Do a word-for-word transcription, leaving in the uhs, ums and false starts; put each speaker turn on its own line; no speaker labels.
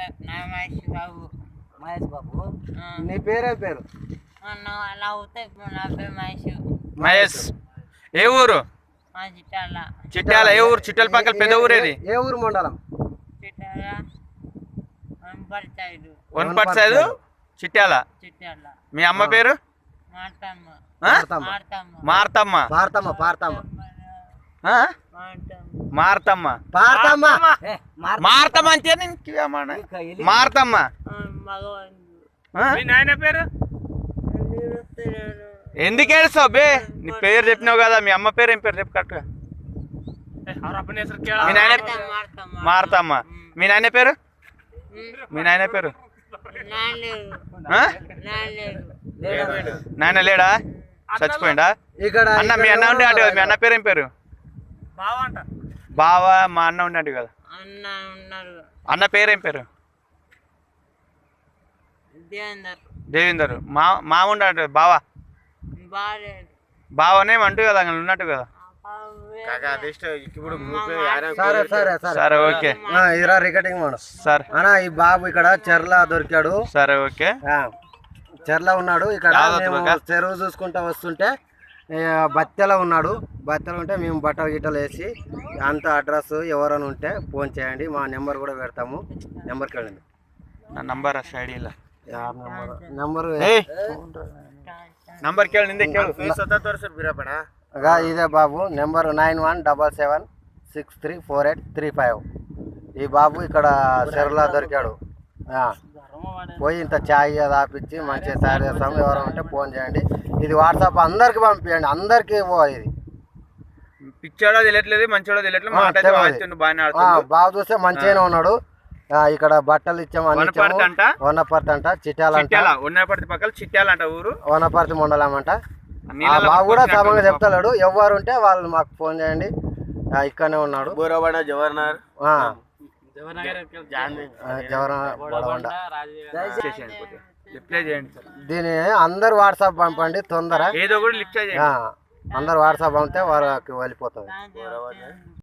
మహేష్ బాబు.
మహేష్ బాబు. నీ పేరే పేరు?
అలా అవుతాయి. నా పేరు మహేష్.
మహేష్. ఏ ఊరు?
చిట్టాల.
చిట్యాల. ఏ ఊరు? చిట్టాల పక్కన పెద్ద ఊరేది?
ఏ ఊరు మండలం?
చిట్టాల వనపర్తి సైడ్.
వనపర్తి సైడ్ చిట్యాల.
చిట్టాల.
మీ అమ్మ పేరు?
మార్తమ్మ.
మార్తమ్మ.
పార్తమ్మ. పార్తమ్మ.
మార్తమ్మ.
పార్తమ్మ.
మార్తమ్మ అంటే మార్తమ్మ.
మీ నాయన పేరు?
ఎందుకు ఏడుస్తావు బే? నీ పేరు చెప్పినావు కదా. మీ అమ్మ పేరు ఏం పేరు చెప్పు కరెక్ట్గా. మీ నాయన మార్తమ్మ. మీ నాయన పేరు? మీ నాయన పేరు? నాయన లేడా? చచ్చిపోయిందా?
ఇక్కడ
అన్న మీ అన్న ఉండే అంటే కదా. మీ అన్న పేరు ఏం పేరు? బావా. మా అన్న ఉండే అంటే కదా. అన్న పేరు ఏం పేరు? దేవేందర్. మా మా ఉండే అంటే బావా. బావనే అంటూ కదా ఉన్నట్టు కదా.
సరే సరే
సరే ఓకే.
ఇరా రికార్డింగ్ మాడు.
సరే
అన్న ఈ బాబు ఇక్కడ చెర్ల దొరికాడు.
సరే ఓకే.
చెర్ల ఉన్నాడు. ఇక్కడ మేము చెరువు చూసుకుంటా వస్తుంటే బత్తెల ఉన్నాడు. బత్తెల ఉంటే మేము బట్టలు గిట్టలు వేసి అంత అడ్రస్ ఎవరైనా ఉంటే ఫోన్ చేయండి. మా నెంబర్ కూడా పెడతాము. నెంబర్కి వెళ్ళండి.
నా నంబర్ ఐడిలో
నెంబర్
నంబర్కి వెళ్ళండి.
ఇదే బాబు number nine one double seven six three four eight three five. ఈ బాబు ఇక్కడ చెరువులో దొరికాడు. పోయి ఇంత ఛాయ్ తాపించి మంచిగా తయారు చేస్తాము. ఎవరైనా ఉంటే ఫోన్ చేయండి. ఇది వాట్సాప్ అందరికి పంపించండి. అందరికి ఇది
పిచ్చాడో తెలియట్లేదు, మంచోడో తెలియట్లేదు.
బాబు చూస్తే మంచిగానే ఉన్నాడు. ఇక్కడ బట్టలు ఇచ్చాము. వనపర్తి అంట. చిట్యాల
వనపర్తి పక్కన చిట్యాల అంట ఊరు.
వనపర్తి మండలం అంట. బాబు కూడా సమంగా చెప్తాడు. ఎవరు ఉంటే వాళ్ళు మాకు ఫోన్ చేయండి. ఇక్కడనే ఉన్నాడు.
జవహర్
దీని అందరు వాట్సాప్ పంపండి తొందర.
ఏదో కూడా లిఫ్ట్ చేయండి.
అందరు వాట్సాప్ పంపితే వాళ్ళకి వెళ్ళిపోతుంది.